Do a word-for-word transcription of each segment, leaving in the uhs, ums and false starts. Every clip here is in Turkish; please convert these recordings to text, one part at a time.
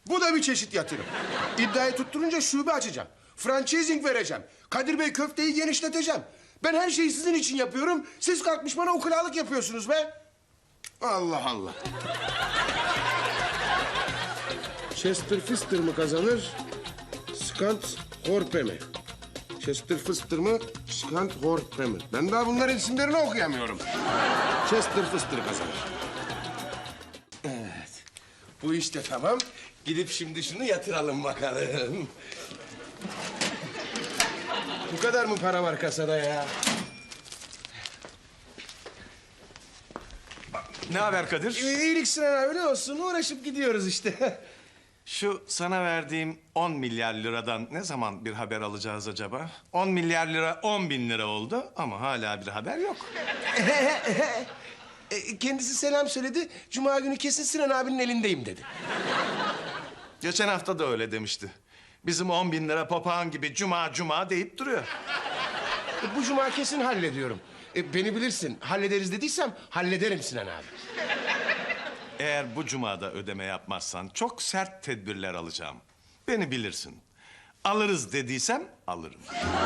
Bu da bir çeşit yatırım. İddiayı tutturunca şube açacağım. Franchising vereceğim. Kadir Bey köfteyi genişleteceğim. Ben her şeyi sizin için yapıyorum. Siz kalkmış bana ukulalık yapıyorsunuz be. Allah Allah. Chester Fister mı kazanır? Skant Horpe mi? Chester Fister mı? Skant Horpe mi? Ben daha bunların isimlerini okuyamıyorum. Chester Fister kazanır. Evet. Bu işte tamam. Gidip şimdi şunu yatıralım bakalım. Bu kadar mı para var kasada ya? Ne haber Kadir? İyilik Sinan abi, ne olsun, uğraşıp gidiyoruz işte. Şu sana verdiğim on milyar liradan ne zaman bir haber alacağız acaba? On milyar lira on bin lira oldu ama hala bir haber yok. E, Kendisi selam söyledi. Cuma günü kesin Sinan abinin elindeyim dedi. Geçen hafta da öyle demişti. Bizim on bin lira papağan gibi cuma cuma deyip duruyor. E, bu cuma kesin hallediyorum. E, beni bilirsin. Hallederiz dediysem hallederim Sinan abi. Eğer bu cumada ödeme yapmazsan çok sert tedbirler alacağım. Beni bilirsin. Alırız dediysem alırım.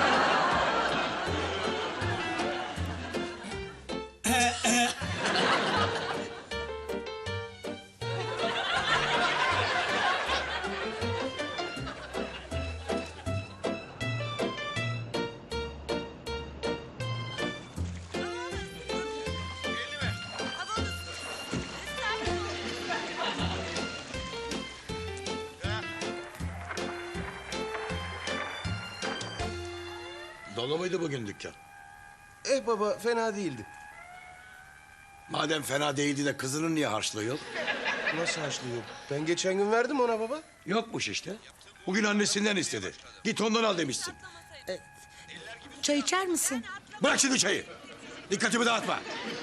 Dolu muydu bugün dükkan? Eh baba, fena değildi. Madem fena değildi de kızının niye harçlığı yok? Nasıl haşlıyor? Ben geçen gün verdim ona baba. Yokmuş işte. Bugün annesinden istedi. Git ondan al demişsin. Çay içer misin? Bırak şimdi çayı. Dikkatimi dağıtma.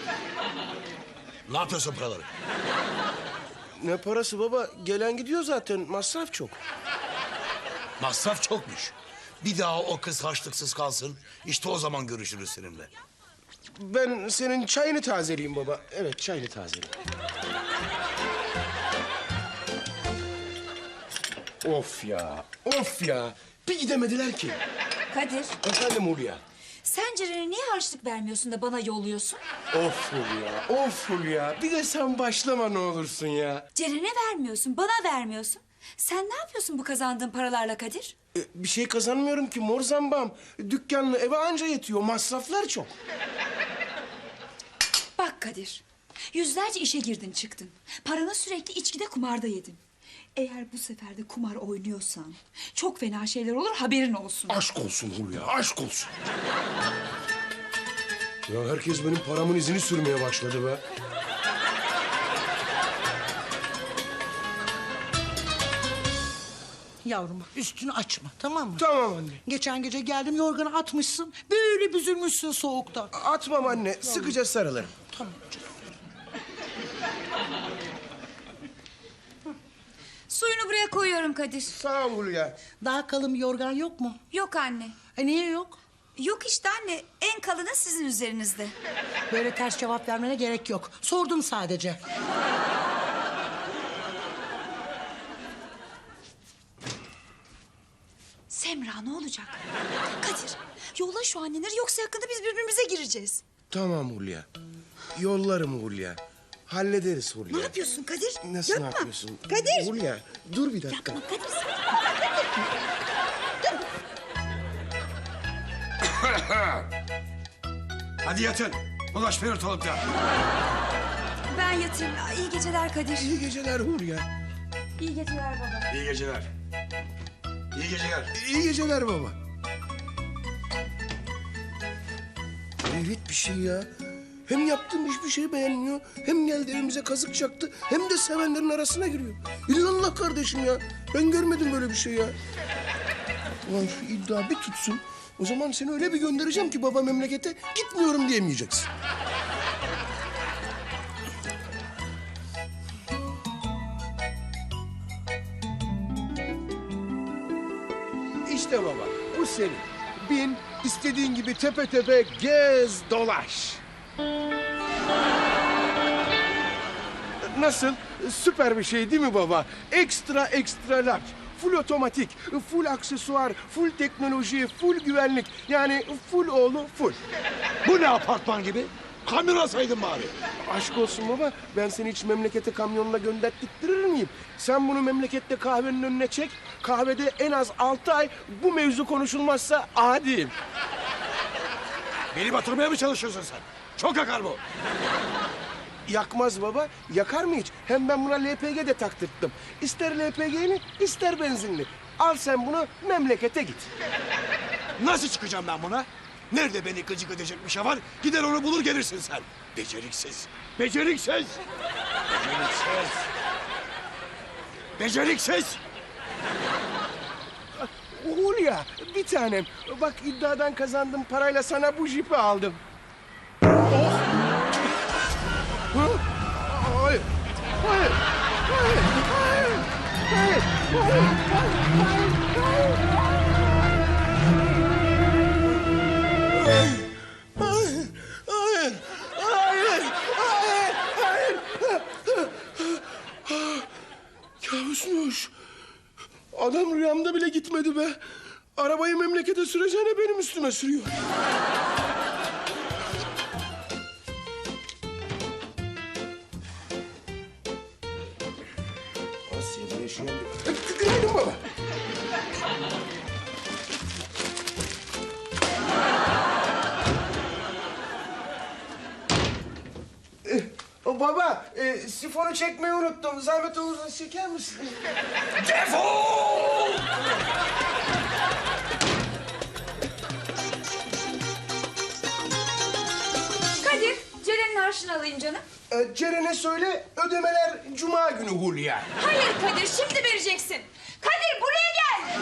Ne yapıyorsun paraları? Ne parası baba? Gelen gidiyor zaten. Masraf çok. Masraf çokmuş. Bir daha o kız harçlıksız kalsın. İşte o zaman görüşürüz seninle. Ben senin çayını tazeleyeyim baba. Evet, çayını tazeleyeyim. Of ya, of ya. Bir gidemediler ki. Kadir, Efendim Hulya. sen Ceren'e niye harçlık vermiyorsun da bana yolluyorsun? Of Hulya, of Hulya. Bir de sen başlama ne olursun ya. Ceren'e vermiyorsun, bana vermiyorsun. Sen ne yapıyorsun bu kazandığın paralarla Kadir? E, bir şey kazanmıyorum ki mor zambam. Dükkanlı eve anca yetiyor. Masraflar çok. Bak Kadir, yüzlerce işe girdin çıktın. Paranı sürekli içkide kumarda yedin. Eğer bu sefer de kumar oynuyorsan çok fena şeyler olur, haberin olsun. Aşk olsun Hulya, aşk olsun. Ya herkes benim paramın izini sürmeye başladı be. Yavrum bak, üstünü açma, tamam mı? Tamam anne. Geçen gece geldim, yorganı atmışsın. Böyle büzülmüşsün soğukta. Atmam anne, sıkıca sarılırım. Tamam canım. Suyunu buraya koyuyorum Kadir. Sağ ol Hulya. Daha kalın bir yorgan yok mu? Yok anne. E niye yok? Yok işte anne, en kalını sizin üzerinizde. Böyle ters cevap vermene gerek yok. Sordum sadece. Semra ne olacak? Kadir, yolla şu anneleri yoksa yakında biz birbirimize gireceğiz. Tamam Hulya. Yollarım Hulya. Hallederiz Hulya. Ne yapıyorsun Kadir? Nasıl Yapma. ne yapıyorsun? Kadir. Hulya, dur bir dakika. Yapma Kadir. Hadi yatın. Ulaşmayın ortalıkta. Ben yatayım. İyi geceler Kadir. İyi geceler Hulya. İyi geceler baba. İyi geceler. İyi geceler. İyi geceler baba. Hayret bir şey ya. Hem yaptığım hiçbir şeyi beğenmiyor, hem geldi evimize kazık çaktı, hem de sevenlerin arasına giriyor. İllallah kardeşim ya. Ben görmedim böyle bir şey ya. Ulan şu iddia bir tutsun. O zaman seni öyle bir göndereceğim ki baba memlekete gitmiyorum diyemeyeceksin. İşte baba, bu senin. Bin, istediğin gibi tepe tepe gez, dolaş. Nasıl? Süper bir şey değil mi baba? Ekstra ekstra large. Full otomatik, full aksesuar, full teknoloji, full güvenlik. Yani full oğlu full. Bu ne apartman gibi? Kamyon alsaydın bari. Aşk olsun baba, ben seni hiç memlekete kamyonla gönderttirir miyim? Sen bunu memlekette kahvenin önüne çek. Kahvede en az altı ay bu mevzu konuşulmazsa adiyim. Beni batırmaya mı çalışıyorsun sen? Çok yakar bu. Yakmaz baba, yakar mı hiç? Hem ben buna L P G de taktırttım. İster L P G'li, ister benzinli. Al sen bunu, memlekete git. Nasıl çıkacağım ben buna? Nerede beni gıcık edecek bir şey var? Gider onu bulur gelirsin sen. Beceriksiz. Beceriksiz. Beceriksiz. Beceriksiz. Hulya, bir tanem. Bak iddiadan kazandım parayla sana bu jipi aldım. Hı? Hayır. Hayır. Hayır. Hayır. Hayır. Hayır. Hayır. Hayır. Hayır. Hayır. Hayır. Kabusmuş. Adam rüyamda bile gitmedi be. Arabayı memlekete süreceğine benim üstüme sürüyor. Asya'da yaşayan bir... Günaydın baba. Eh, o baba, e, sifonu çekmeyi unuttum. Zahmet olursa çeker misin? Defol! Kadir, Ceren'in harçlığını alayım canım. E, Ceren'e söyle, ödemeler cuma günü Hulya. Hayır Kadir, şimdi vereceksin. Kadir buraya gel.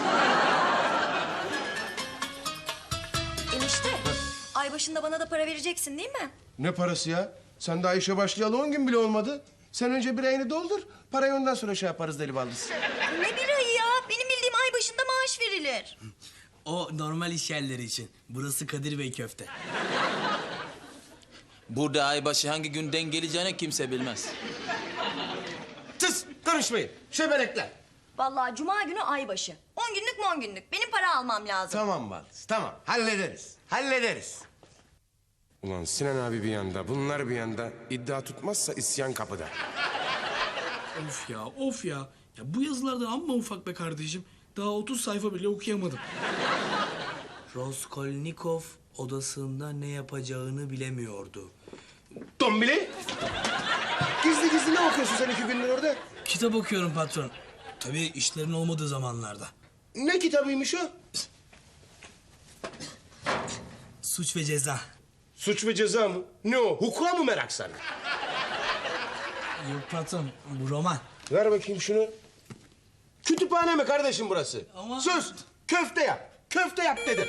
Enişte, ay başında bana da para vereceksin değil mi? Ne parası ya? Sen daha işe başlayalı on gün bile olmadı. Sen önce bir ayını doldur, parayı ondan sonra şey yaparız deli baldız. Ne bir ayı ya? Benim bildiğim ay başında maaş verilir. O normal iş yerleri için. Burası Kadir Bey köfte. Burada aybaşı hangi günden geleceğini kimse bilmez. Tıs, konuşmayın. Şebelekler. Vallahi cuma günü ay başı. On günlük on günlük. Benim para almam lazım. Tamam baldız, tamam. Hallederiz, hallederiz. Ulan Sinan abi bir yanda, bunlar bir yanda. İddia tutmazsa isyan kapıda. Of ya, of ya. Ya bu yazılardan amma ufak be kardeşim. Daha otuz sayfa bile okuyamadım. Raskolnikov odasında ne yapacağını bilemiyordu. Dombili. Gizli gizli ne okuyorsun sen iki gündür orada? Kitap okuyorum patron. Tabii işlerin olmadığı zamanlarda. Ne kitabıymış o? Suç ve Ceza. Suç ve Ceza mı? Ne o? Hukuka mı merak sana? Yok patron, bu roman. Ver bakayım şunu. Kütüphane mi kardeşim burası? Ama- Söz, köfte yap. Köfte yap dedim.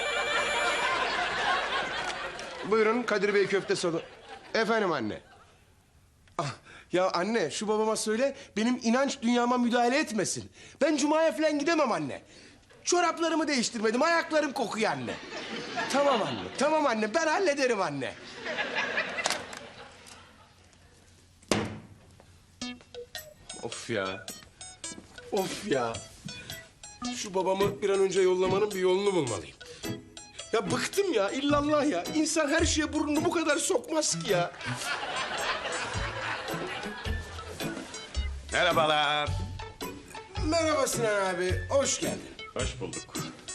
Buyurun Kadir Bey köfte salonu. Efendim anne. Ah, ya anne şu babama söyle benim inanç dünyama müdahale etmesin. Ben cumaya falan gidemem anne. Çoraplarımı değiştirmedim, ayaklarım kokuyor anne. Tamam anne, tamam anne, ben hallederim anne. Of ya. Of ya. Şu babamı bir an önce yollamanın bir yolunu bulmalıyım. Ya bıktım ya, illallah ya. İnsan her şeye burnunu bu kadar sokmaz ki ya. Merhabalar. Merhaba Sinan abi, hoş geldin. Hoş bulduk.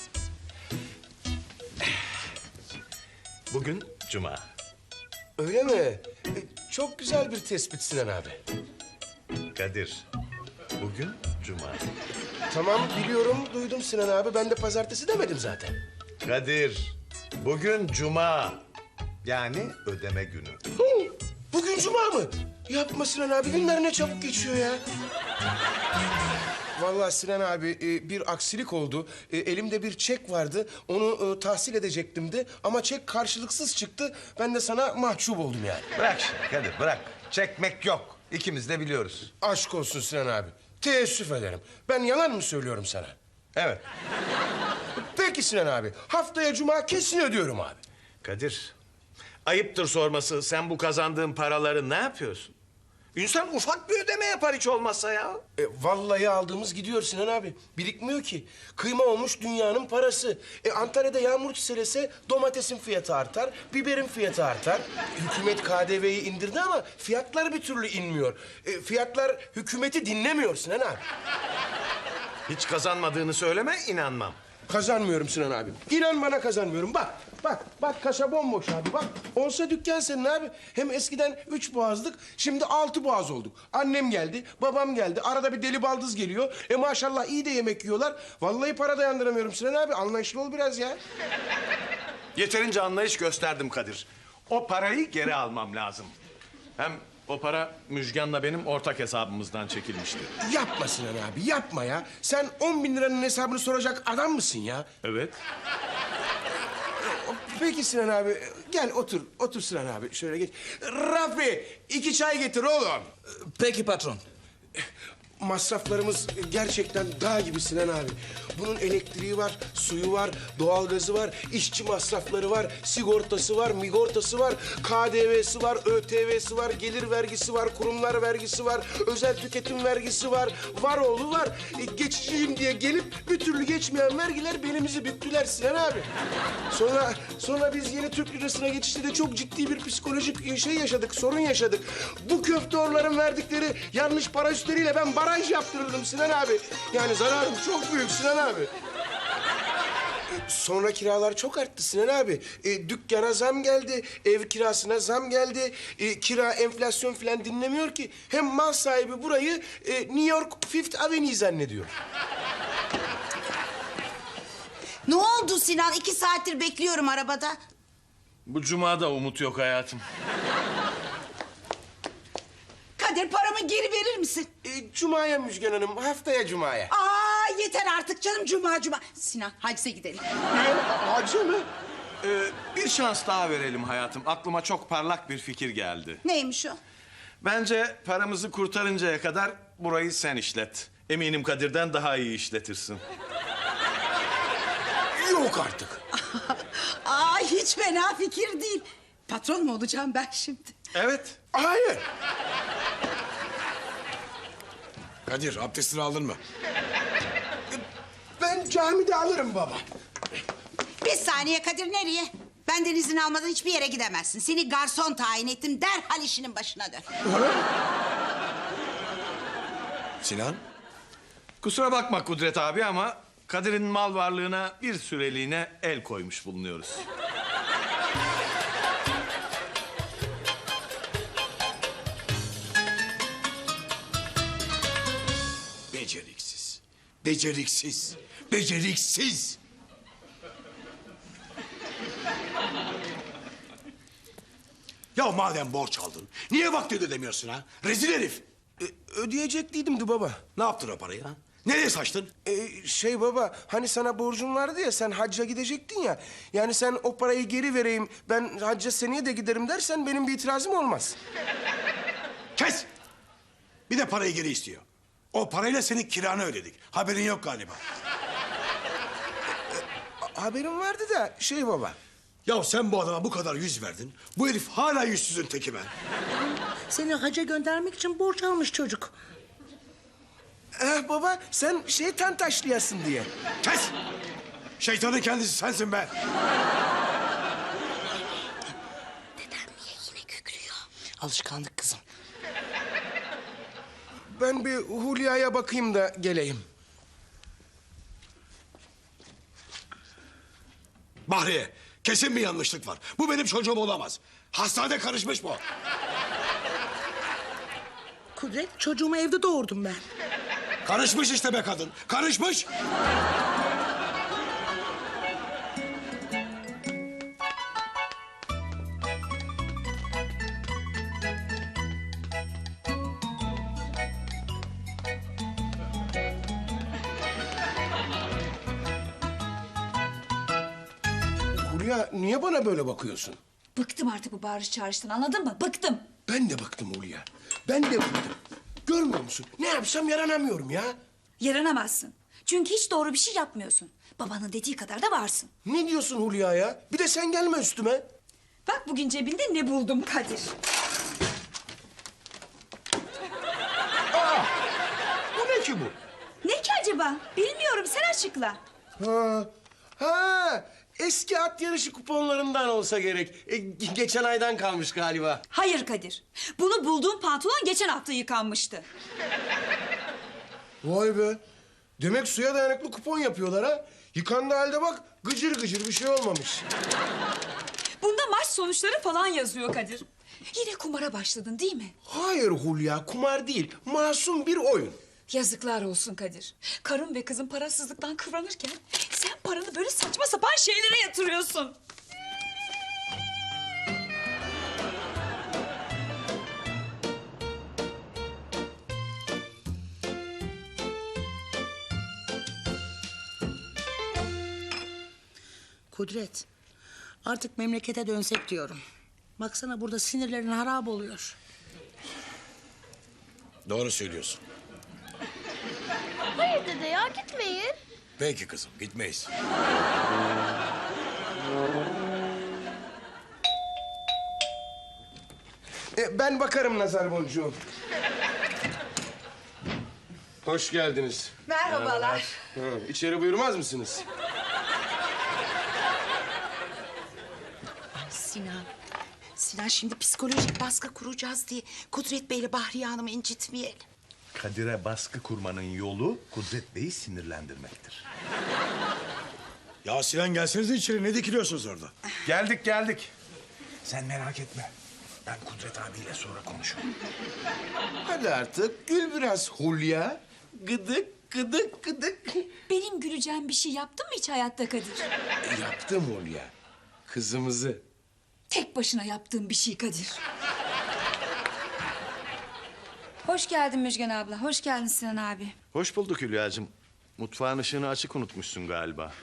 Bugün cuma. Öyle mi? E, çok güzel bir tespit Sinan abi. Kadir, bugün cuma. Tamam biliyorum, duydum Sinan abi. Ben de pazartesi demedim zaten. Kadir, bugün cuma. Yani ödeme günü. Hı, bugün cuma mı? Yapma Sinan abi, günler ne çabuk geçiyor ya. Vallahi Sinan abi e, bir aksilik oldu. E, elimde bir çek vardı. Onu e, tahsil edecektim de ama çek karşılıksız çıktı. Ben de sana mahcup oldum yani. Bırak şimdi Kadir, bırak. Çekmek yok. İkimiz de biliyoruz. Aşk olsun Sinan abi. Teessüf ederim. Ben yalan mı söylüyorum sana? Evet. Peki Sinan abi. Haftaya cuma kesin ödüyorum abi. Kadir, ayıptır sorması. Sen bu kazandığın paraları ne yapıyorsun? İnsan ufak bir ödeme yapar hiç olmazsa ya. E, vallahi aldığımız gidiyor Sinan abi. Birikmiyor ki. Kıyma olmuş dünyanın parası. E, Antalya'da yağmur çiselese domatesin fiyatı artar, biberin fiyatı artar. Hükümet K D V'yi indirdi ama fiyatlar bir türlü inmiyor. E, fiyatlar hükümeti dinlemiyor Sinan abi. Hiç kazanmadığını söyleme, inanmam. Kazanmıyorum Sinan abi. İnan bana kazanmıyorum. Bak, bak, bak kasa bomboş abi. Bak, olsa dükkan senin abi. Hem eskiden üç boğazdık, şimdi altı boğaz olduk. Annem geldi, babam geldi. Arada bir deli baldız geliyor. E maşallah iyi de yemek yiyorlar. Vallahi para dayandıramıyorum Sinan abi. Anlayışlı ol biraz ya. Yeterince anlayış gösterdim Kadir. O parayı geri almam lazım. Hem o para Müjgan'la benim ortak hesabımızdan çekilmişti. Yapma Sinan abi, yapma ya. Sen on bin liranın hesabını soracak adam mısın ya? Evet. Peki Sinan abi, gel otur. Otur Sinan abi, şöyle geç. Rafi, iki çay getir oğlum. Peki patron. Masraflarımız gerçekten dağ gibi Sinan abi. Bunun elektriği var, suyu var, doğalgazı var, işçi masrafları var, sigortası var, migortası var, K D V'si var, Ö T V'si var, gelir vergisi var, kurumlar vergisi var, özel tüketim vergisi var, var oğlu var. E, geçiciyim diye gelip bir türlü geçmeyen vergiler belimizi büktüler Sinan abi. Sonra sonra biz yeni Türk lirasına geçişte de çok ciddi bir psikolojik şey yaşadık, sorun yaşadık. Bu köfteorların verdikleri yanlış para üstleriyle ben baraj yaptırırdım Sinan abi. Yani zararım çok büyük Sinan abi. E, Sonra kiralar çok arttı Sinan abi. E, dükkana zam geldi, ev kirasına zam geldi. E, kira, enflasyon falan dinlemiyor ki. Hem mal sahibi burayı e, New York Fifth Avenue zannediyor. Ne oldu Sinan? İki saattir bekliyorum arabada. Bu cumada umut yok hayatım. Kadir paramı geri verir misin? E, Cuma'ya Müjgan Hanım, haftaya Cuma'ya. Aa yeter artık canım cuma cuma. Sinan hacca gidelim. Hacı mı? Ee, bir şans daha verelim hayatım. Aklıma çok parlak bir fikir geldi. Neymiş o? Bence paramızı kurtarıncaya kadar burayı sen işlet. Eminim Kadir'den daha iyi işletirsin. Yok artık. Aa hiç fena fikir değil. Patron mu olacağım ben şimdi? Evet. Hayır. Kadir abdestini aldın mı? Ben camide alırım baba. Bir saniye Kadir nereye? Benden izin almadan hiçbir yere gidemezsin. Seni garson tayin ettim. Derhal işinin başına dön. Sinan? Kusura bakma Kudret abi ama Kadir'in mal varlığına bir süreliğine el koymuş bulunuyoruz. Beceriksiz. Beceriksiz. Beceriksiz. Ya madem borç aldın, niye vaktinde ödemiyorsun ha? Rezil herif. E, ödeyecekliydim baba. Ne yaptın o parayı ha? Nereye saçtın? E, şey baba, hani sana borcum vardı ya, sen hacca gidecektin ya. Yani sen o parayı geri vereyim, ben hacca seneye de giderim dersen benim bir itirazım olmaz. Kes! Bir de parayı geri istiyor. O parayla senin kiranı ödedik. Haberin yok galiba. Haberim vardı da şey baba. Ya sen bu adama bu kadar yüz verdin. Bu herif hala yüzsüzün teki be. Seni hacca göndermek için borç almış çocuk. Eh baba, sen şeytan taşlayasın diye. Kes! Şeytanın kendisi sensin be. Dedem niye yine kükrüyor? Alışkanlık kızım. Ben bir Hulya'ya bakayım da geleyim. Bahriye, kesin bir yanlışlık var. Bu benim çocuğum olamaz. Hastanede karışmış bu. Kudret çocuğumu evde doğurdum ben. Karışmış işte be kadın. Karışmış. Hulya, niye bana böyle bakıyorsun? Bıktım artık bu bağırış çağrıştan, anladın mı? Bıktım. Ben de baktım Hulya. Ben de bıktım. Görmüyor musun? Ne yapsam yaranamıyorum ya. Yaranamazsın. Çünkü hiç doğru bir şey yapmıyorsun. Babanın dediği kadar da varsın. Ne diyorsun Hulya ya? Bir de sen gelme üstüme. Bak bugün cebinde ne buldum Kadir. abla. Bilmiyorum, sen açıkla. Ha, ha, eski at yarışı kuponlarından olsa gerek. E, ge- geçen aydan kalmış galiba. Hayır Kadir. Bunu bulduğum pantolon geçen hafta yıkanmıştı. Vay be. Demek suya dayanıklı kupon yapıyorlar ha. Yıkandığı halde bak gıcır gıcır bir şey olmamış. Bunda maç sonuçları falan yazıyor Kadir. Yine kumara başladın değil mi? Hayır Hulya, kumar değil. Masum bir oyun. Yazıklar olsun Kadir. Karın ve kızın parasızlıktan kıvranırken sen paranı böyle saçma sapan şeylere yatırıyorsun. Kudret, artık memlekete dönsek diyorum. Baksana burada sinirlerin harap oluyor. Doğru söylüyorsun. Hayır dede ya gitmeyin. Peki kızım gitmeyiz. E, ben bakarım nazar boncuğum. Hoş geldiniz. Merhabalar. Ha, içeri buyurmaz mısınız? Sinan. Sinan şimdi psikolojik baskı kuracağız diye Kudret Bey'le Bahriye Hanım'ı incitmeyelim. Kadir'e baskı kurmanın yolu Kudret Bey'i sinirlendirmektir. Ya Sinan gelsenize içeri, ne dikiliyorsunuz orada? Geldik geldik. Sen merak etme. Ben Kudret abiyle sonra konuşurum. Hadi artık gül biraz Hulya. Gıdık gıdık gıdık. Benim güleceğim bir şey yaptın mı hiç hayatta Kadir? Yaptım Hulya. Kızımızı. Tek başına yaptığın bir şey Kadir. Hoş geldin Müjgan abla. Hoş geldin Sinan abi. Hoş bulduk Hülya'cığım. Mutfağın ışığını açık unutmuşsun galiba.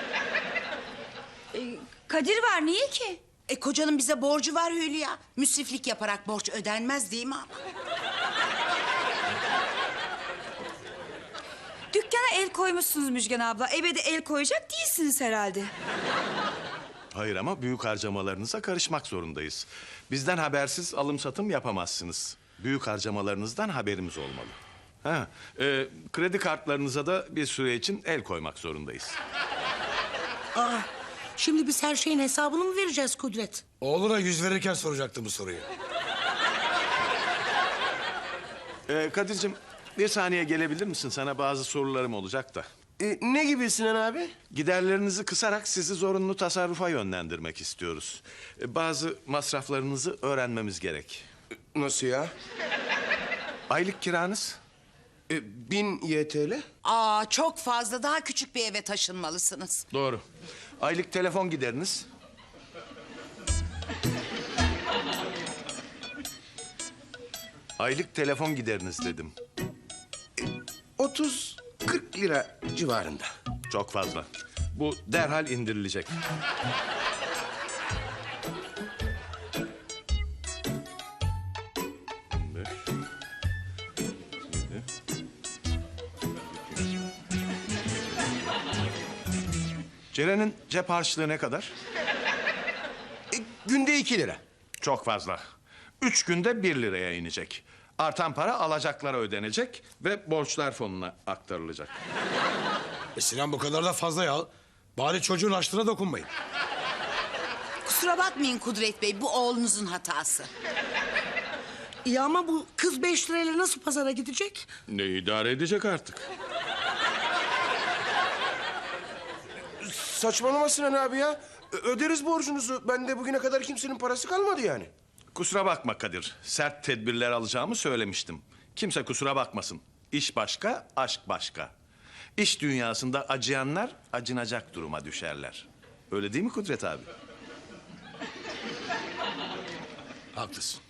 Kadir var niye ki? E kocanın bize borcu var Hülya. Müsriflik yaparak borç ödenmez değil mi ama? Dükkana el koymuşsunuz Müjgan abla. Eve de el koyacak değilsiniz herhalde. Hayır ama büyük harcamalarınıza karışmak zorundayız. Bizden habersiz alım satım yapamazsınız. Büyük harcamalarınızdan haberimiz olmalı. Ha, e, kredi kartlarınıza da bir süre için el koymak zorundayız. Aa, şimdi biz her şeyin hesabını mı vereceğiz Kudret? Oğluna yüz verirken soracaktım bu soruyu. E, Kadir'cim bir saniye gelebilir misin? Sana bazı sorularım olacak da. E, ne gibi Sinan abi? Giderlerinizi kısarak sizi zorunlu tasarrufa yönlendirmek istiyoruz. E, bazı masraflarınızı öğrenmemiz gerek. Nasıl ya? Aylık kiranız? E, bin Y T L. Aa çok fazla, daha küçük bir eve taşınmalısınız. Doğru. Aylık telefon gideriniz? Aylık telefon gideriniz dedim. otuz kırk lira civarında. Çok fazla. Bu derhal indirilecek. Ceren'in cep harçlığı ne kadar? E, günde iki lira. Çok fazla. Üç günde bir liraya inecek. Artan para alacaklara ödenecek ve borçlar fonuna aktarılacak. E Sinan bu kadar da fazla ya. Bari çocuğun açlığına dokunmayın. Kusura bakmayın Kudret Bey, bu oğlunuzun hatası. İyi ama bu kız beş lirayla nasıl pazara gidecek? Ne idare edecek artık? Saçmalama Sinan abi ya. Ö- öderiz borcunuzu. Bende bugüne kadar kimsenin parası kalmadı yani. Kusura bakma Kadir. Sert tedbirler alacağımı söylemiştim. Kimse kusura bakmasın. İş başka, aşk başka. İş dünyasında acıyanlar acınacak duruma düşerler. Öyle değil mi Kudret abi? Haklısın.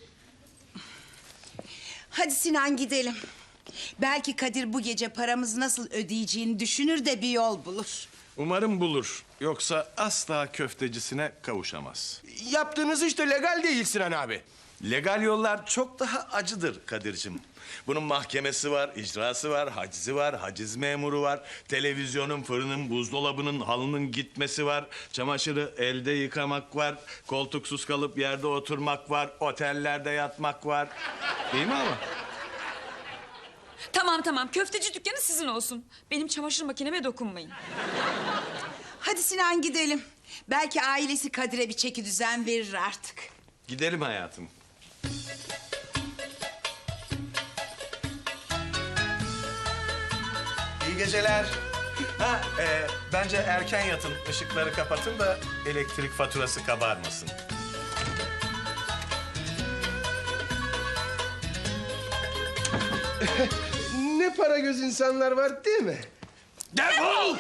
Hadi Sinan gidelim. Belki Kadir bu gece paramızı nasıl ödeyeceğini düşünür de bir yol bulur. Umarım bulur. Yoksa asla köftecisine kavuşamaz. Yaptığınız iş de legal değil Sinan abi. Legal yollar çok daha acıdır Kadir'cim. Bunun mahkemesi var, icrası var, hacizi var, haciz memuru var. Televizyonun, fırının, buzdolabının, halının gitmesi var. Çamaşırı elde yıkamak var. Koltuksuz kalıp yerde oturmak var. Otellerde yatmak var. Değil mi ama? Tamam tamam, köfteci dükkanı sizin olsun. Benim çamaşır makineme dokunmayın. Hadi Sinan gidelim. Belki ailesi Kadir'e bir çeki düzen verir artık. Gidelim hayatım. İyi geceler. Ha, e, bence erken yatın, ışıkları kapatın da elektrik faturası kabarmasın. Ne para göz insanlar var değil mi? Defol!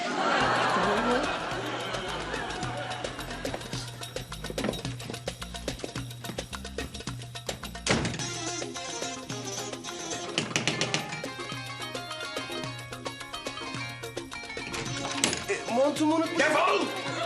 E, montumu unutma. Defol!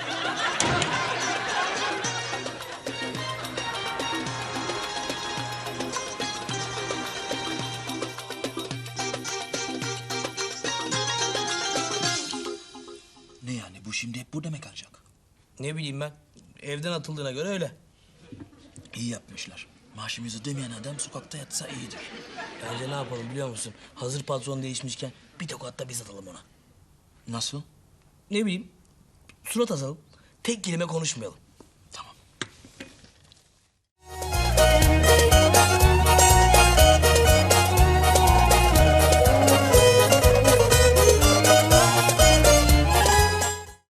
Ne yani bu şimdi hep burada mı kalacak? Ne bileyim ben. Evden atıldığına göre öyle. İyi yapmışlar. Maaşımızı ödemeyen adam sokakta yatsa iyidir. Bence ne yapalım biliyor musun? Hazır patron değişmişken bir tokat da biz atalım ona. Nasıl? Ne bileyim, surat asalım. Tek kelime konuşmayalım.